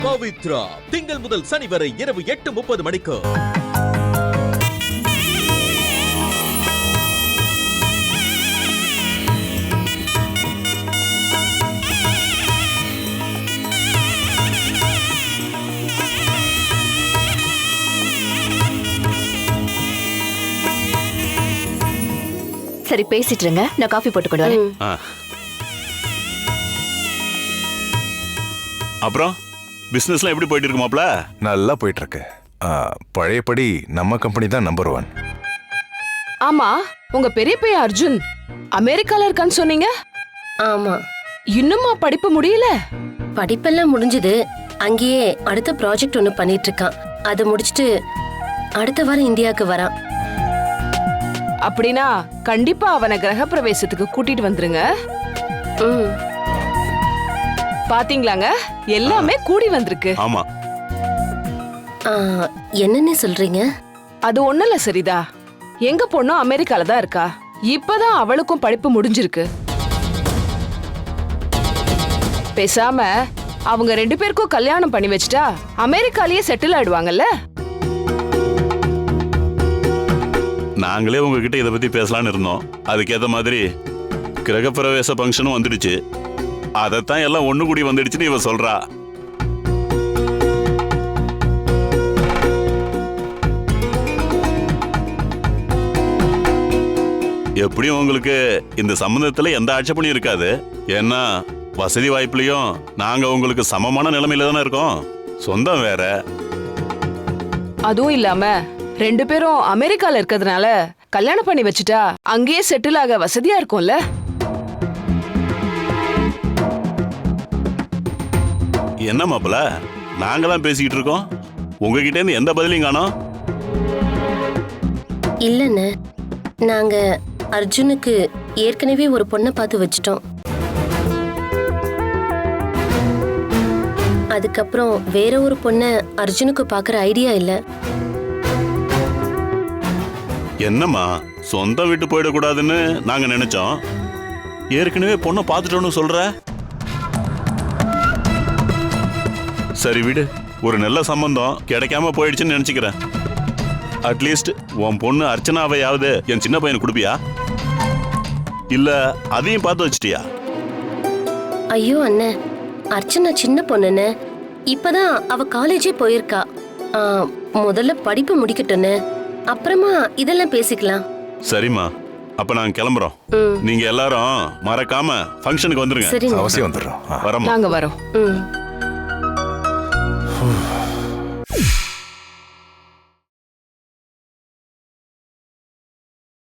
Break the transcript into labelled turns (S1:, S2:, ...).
S1: பவித்ரா திங்கள் முதல் சனி வரை இரவு 8:30 மணிக்கு.
S2: சரி பேசிட்டு இருங்க, நான் காஃபி போட்டு கொண்டு வரேன்.
S3: அப்புறம் பிசினஸ்லாம் எப்படி போயிட்டு இருக்கு மாப்ள?
S4: நல்லா போயிட்டு இருக்கு. பழையபடி நம்ம கம்பெனி தான் நம்பர் 1.
S5: ஆமா, உங்க பெரிய பையன் அர்ஜுன் அமெரிக்கால இருக்கான்னு சொன்னீங்க.
S6: ஆமா,
S5: இன்னுமா படிப்பு முடியல?
S6: படிப்பெல்லாம் முடிஞ்சது. அங்கேயே அடுத்த ப்ராஜெக்ட் ஒன்னு பண்ணிட்டு இருக்கான். அதை முடிச்சிட்டு அடுத்த வாரம் இந்தியாவுக்கு வரான்.
S5: அப்படின்னா கண்டிப்பா அவனை கிரக பிரவேசத்துக்கு கூட்டிட்டு வந்துருங்க. பாத்தீங்களாங்க, எல்லாமே கூடி வந்திருக்கு.
S3: ஆமா.
S6: என்னன்னு சொல்றீங்க?
S5: அது ஒண்ணுல சரிதா. எங்க பொண்ணும் அமெரிக்கால தான் இருக்கா. இப்பதான் அவளுக்கும் படிப்பு முடிஞ்சிருக்கு. பேசாம அவங்க 2 பேருக்கும் கல்யாணம் பண்ணி வச்சிட்டா அமெரிக்காலயே செட்டில் ஆயிடுவாங்கல்ல.
S3: நாங்களே உங்ககிட்ட இதை பத்தி பேசலான்னு இருந்தோம். அதுக்கேற்ற மாதிரி கிரகப்பிரவேச ஃபங்க்ஷனும் வந்துடுச்சு. அதைத்தான் எல்லாம் ஒண்ணு கூடி வந்துடுச்சுன்னு இவ சொல்றா. எப்படியும் உங்களுக்கு இந்த சம்பந்தத்துல எந்த ஆட்சேபனையும் இருக்காது. ஏன்னா வசதி வாய்ப்புலயும் நாங்க உங்களுக்கு சமமான நிலைமையில தானே இருக்கோம். சொந்தம் வேற.
S5: அதுவும் இல்லாம 2 பேரும் அமெரிக்கால இருக்கிறதுனால கல்யாணம் பண்ணி வச்சுட்டா அங்கேயே செட்டில் ஆக வசதியா இருக்கும்ல.
S3: என்ன மாப்பிள, நாங்க தான் பேசிக்கிட்டு இருக்கோம், உங்ககிட்ட இருந்து எந்த பதிலையும் காணோம்.
S6: இல்லன்னு, நாங்க அர்ஜுனுக்கு ஏற்கனவே ஒரு பொண்ணை பார்த்து வச்சிட்டோம். அதுக்கப்புறம் வேற ஒரு பொண்ணை அர்ஜுனுக்கு பார்க்குற ஐடியா இல்ல.
S3: என்னம்மா, சொந்த வீட்டு போயிடக்கூடாதுன்னு நாங்க நினைச்சோம். ஏற்கனவே பொண்ணை பார்த்துட்டோன்னு சொல்ற. சரி விடு, ஒரு நல்ல சம்பந்தம் கிடைக்காம போயிடுச்சுன்னு நினைச்சுக்கிறேன். அட்லீஸ்ட் உன் பொண்ணு அர்ச்சனாவையாவது என் சின்ன பையனுக்கு கொடுப்பியா? இல்ல அதையும் பார்த்து வச்சிட்டியா?
S6: ஐயோ அண்ணன், அர்ச்சனா சின்ன பொண்ணுன்னு. இப்பதான் அவ காலேஜே போயிருக்கா. முதல்ல படிப்பு முடிக்கட்டுன்னு, அப்புறமா இதெல்லாம் பேசிக்கலாம்.
S3: சரிம்மா, அப்ப நாங்க கிளம்புறோம். நீங்க எல்லாரும் மறக்காம ஃபங்க்ஷனுக்கு வந்துருங்க.
S6: சரிங்க,
S4: அவசியம் வந்துடுறோம்.
S3: வரமா.
S5: நாங்க வரோம்.